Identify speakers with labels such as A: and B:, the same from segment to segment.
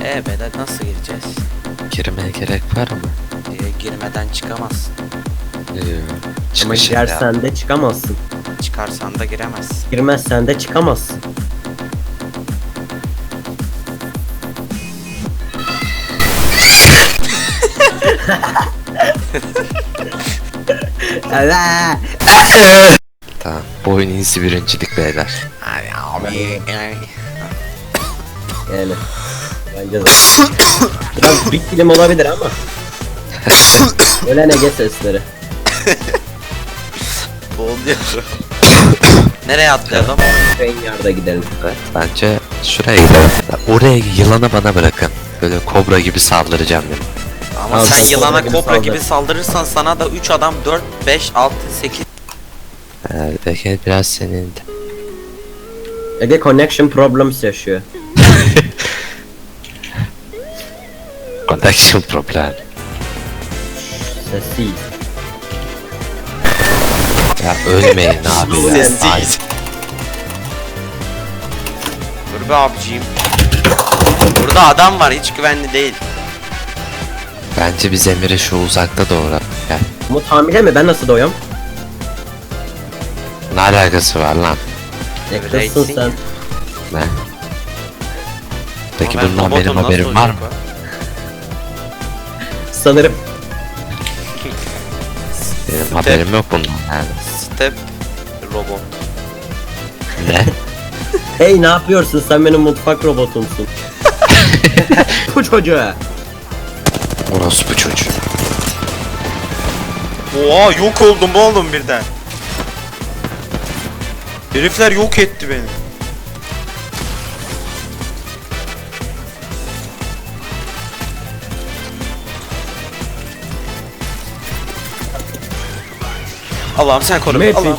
A: Beyler nasıl gireceğiz?
B: Girmeye gerek var mı?
A: Girmeden çıkamazsın.
C: Ama
B: Çıkış ya.
C: girersen de çıkamazsın.
A: Çıkarsan da giremezsin.
C: Girmezsen de çıkamazsın. Evet.
B: Tamam. Bu oyun iyisi birincilik beyler.
A: Ay abi.
C: Yani. Bence de. Biraz big film olabilir ama. Ölen Ege sesleri.
A: Boğuluyorum. Nereye atlayalım?
C: Rainyard'a gidelim.
B: Evet, bence şuraya gidelim. Oraya yılanı bana bırakın. Böyle kobra gibi saldıracağım benim.
A: Ama
C: Abi,
A: sen yılana
C: kobra gibi
A: kobra
C: saldır.
A: gibi saldırırsan sana da 3 adam 4, 5, 6, 8
B: Belki biraz senin de.
C: Ege connection problems yaşıyor.
B: Connection problem.
C: Sessiz.
B: Ya ölmeyin abi ya. Ay,
A: Dur be abiciğim. Burada adam var, hiç güvenli değil.
B: bence biz Emir'i şu uzakta doğru. Gel.
C: Umut hamile mi? Ben nasıl doyuyorum?
B: Ne alakası var lan?
C: Yakınsın
A: Racing.
C: sen.
B: Ne? Peki
A: Ama ben
B: bundan benim
A: robotum, nasıl
B: haberim var mı?
A: olacak
C: Sanırım.
B: Benim
A: Step.
B: haberim yok bundan yani.
A: Step robot.
B: Ne?
C: Hey ne yapıyorsun? Sen benim mutfak robotumsun. Bu çocuğa.
B: Orospu çocuğu.
A: Oha, yok oldum oğlum birden. Herifler yok etti beni. Allah'ım sen koru.
C: Matrix.
A: Allah'ım.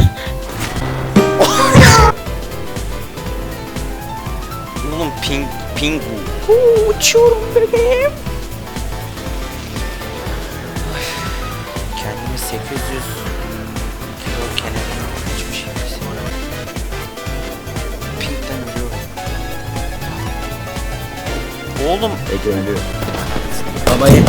A: Oğlum pingu. Uçuyorum bebeğim. Kendimi 800 kilo kenara açmış hissediyorum. Pinkten ölüyorum. Oğlum
C: Ege ölüyor. Babayı.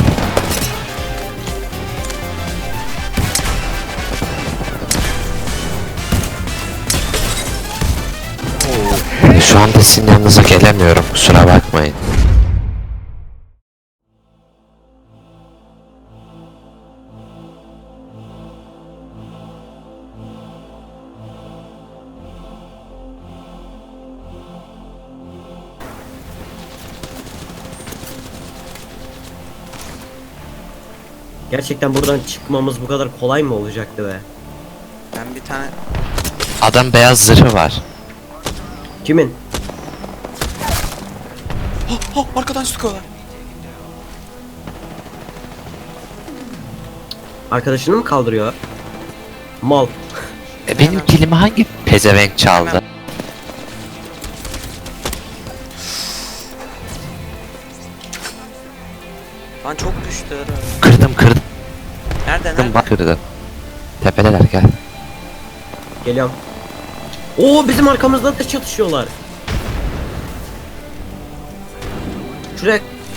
B: Şu anda sizin yanınıza gelemiyorum. Kusura bakmayın.
C: Gerçekten buradan çıkmamız bu kadar kolay mı olacaktı be?
A: ben bir tane
B: Adam beyaz zırhı var.
C: Kimin?
A: arkadan sıkıyorlar.
C: Arkadaşını mı kaldırıyor? Mal.
B: Benim kilimi hangi pezevenk çaldı?
A: Lan çok düştü.
B: Kırdım kırdım
A: Nerede?
B: bak kırdım. Tepedeler gel.
C: Geliyorum. Oo bizim arkamızda da çatışıyorlar. Şuraya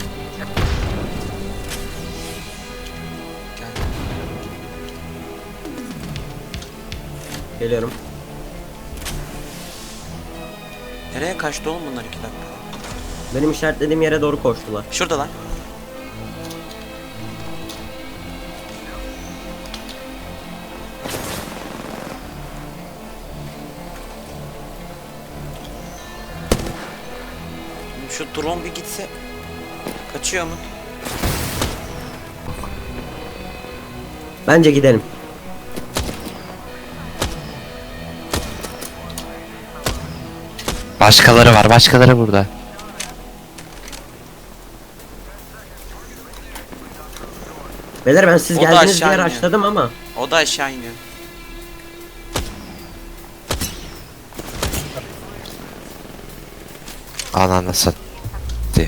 C: geliyorum.
A: Nereye kaçtı oğlum bunlar 2 dakika?
C: Benim işaretlediğim yere doğru koştular.
A: Şurada lan. Şu drone bir gitse. Kaçıyor mu?
C: Bence gidelim.
B: Başkaları var, başkaları burada.
C: Beyler ben siz
A: O da
C: geldiğiniz
A: aşağı
C: diye
A: iniyor.
C: açladım ama.
A: O da aşağı iniyor.
B: Ananasın. Diye.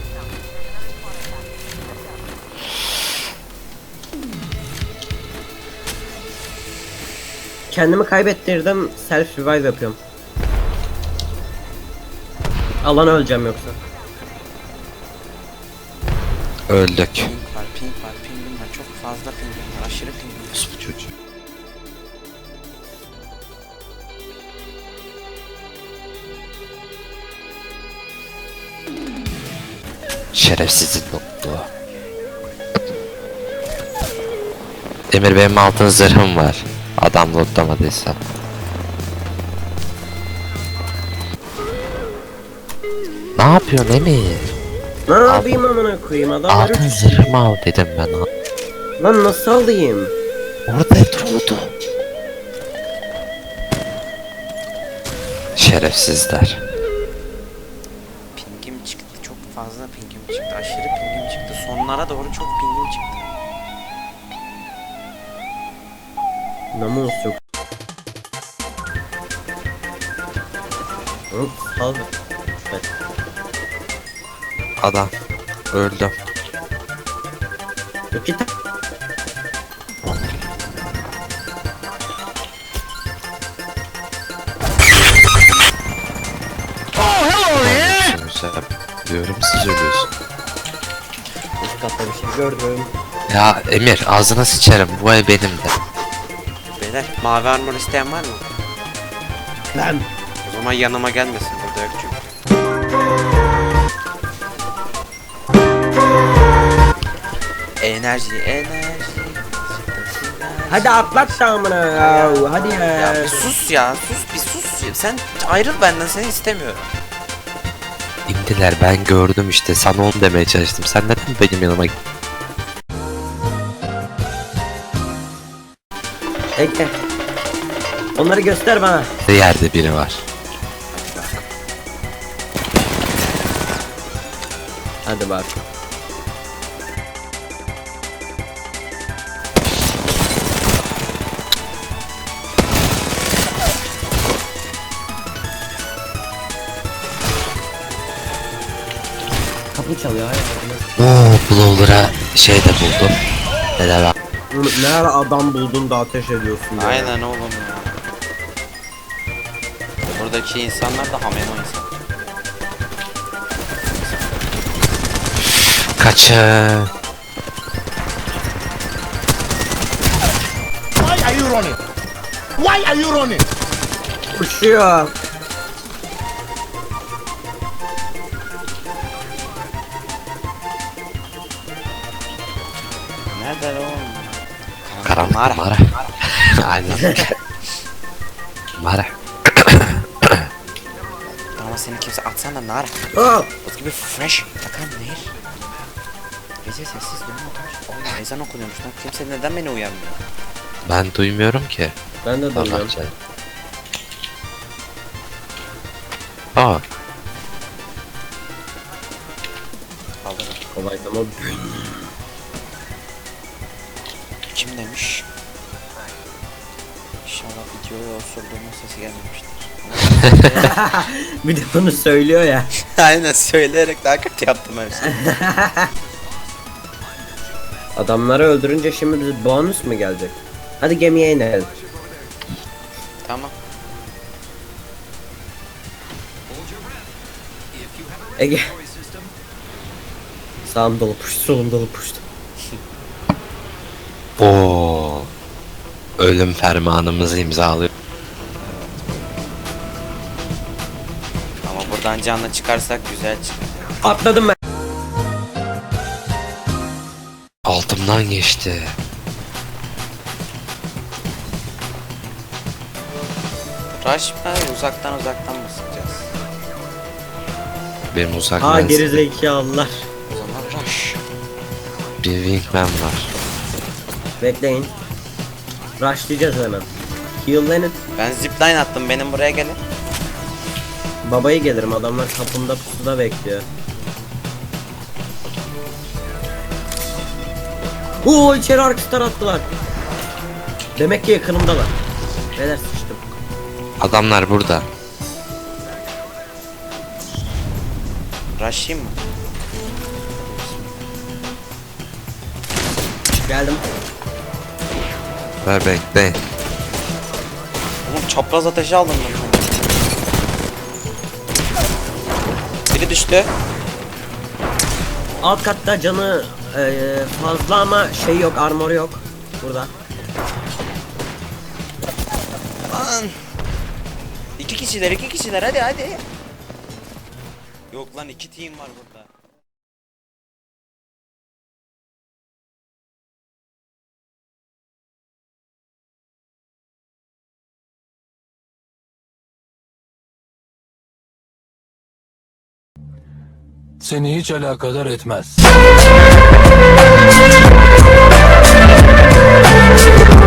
C: Kendimi kaybettirdim. Self revive yapıyorum. Alan öleceğim yoksa.
B: Öldük.
A: Ping var, ping var, pingim var. Çok fazla pingim var. Aşırı pingim var.
B: Bu çocuğu. Şerefsizin noktu. Emir benim altın zırhım var. Adam lootlamadıysa. Ne yapıyorsun Emir?
C: Ne yapayım amına koyayım adamlar
B: Altın zırhımı al dedim ben.
C: Lan nasıl alayım?
B: Orada durdu. Şerefsizler.
A: Pingim çıktı. Çok fazla pingim çıktı. Aşırı pingim çıktı. Sonlara doğru çok pingim çıktı.
C: Namus yok. Hop sal. Evet.
B: Adam öldü.
C: İki tane.
B: Diyorum siz ölüyorsun.
C: Üst katta bir şey gördüm.
B: Ya Emir ağzına sıçarım, bu ev benim de.
A: Beyler mavi armor isteyen var mı?
C: Lan.
A: O zaman yanıma gelmesin. Burada yok çünkü. Enerji, enerji.
C: Hadi atlat da amına ya. Hadi ya.
A: Ya bir sus ya, bir sus. Sen ayrıl benden, seni istemiyorum.
B: İndiler, ben gördüm işte, sana onu demeye çalıştım. Sen neden benim yanıma
C: Ege. Onları göster bana.
B: yerde biri var.
C: Hadi bak. Kapı çalıyor.
B: Oo, Blower'a şey de buldum. Ne de bak.
C: Ne ara adam buldun da ateş ediyorsun ya.
A: Aynen oğlum ya. Buradaki insanlar da hameno insan.
B: Kaçın.
D: Why are you running? Why are you running?
C: Uçuyor.
A: Nerede oğlum?
B: Karanlık
A: Mara.
B: mara. Aynen. Mara.
A: Ama seni kimse atsana nar.
C: Aa,
A: Buz gibi fresh. Bakalım nehir. Gece sessiz durma otur. Oğlum ezan okunuyormuş lan. Kimse neden beni uyarmıyor?
B: Ben duymuyorum ki.
C: ben de
B: Allah
C: duyuyorum.
B: canım. Aa,
A: Kaldırın.
C: Kolay tamam.
A: Kim demiş? İnşallah videoya osurduğumun sesi gelmemiştir.
C: Bir de bunu söylüyor ya.
A: Aynen söyleyerek daha kötü yaptım hepsini.
C: Adamları öldürünce şimdi bize bonus mu gelecek? Hadi gemiye inelim.
A: Tamam.
C: Ege. Sağım dolu puştu, solum dolu puştu.
B: Oo. Ölüm fermanımızı imzalıyor.
A: Ama buradan canlı çıkarsak güzel çıkar.
C: Atladım ben.
B: Altımdan geçti.
A: Rush mı? Uzaktan mı sıkacağız?
B: Benim uzak
C: Ha
B: menzilli
C: gerizekalılar.
A: O zaman rush.
B: bir wingman var.
C: Bekleyin. Rushlayacağız hemen. Heal'lenin.
A: Ben zipline attım, benim buraya gelin.
C: Babayı gelirim, adamlar kapımda pusuda bekliyor. Oo, içeri arkasından attılar. Demek ki yakınımdalar. Beyler sıçtım.
B: Adamlar burada.
A: Rush'ayım mı?
C: Geldim.
B: Ver bekleyin.
A: Oğlum çapraz ateşi aldım ben. Biri düştü.
C: Alt katta canı Fazla ama şey yok, armor yok burada.
A: Lan. İki kişiler hadi. Yok lan 2 team var burada.
E: Seni hiç alakadar etmez.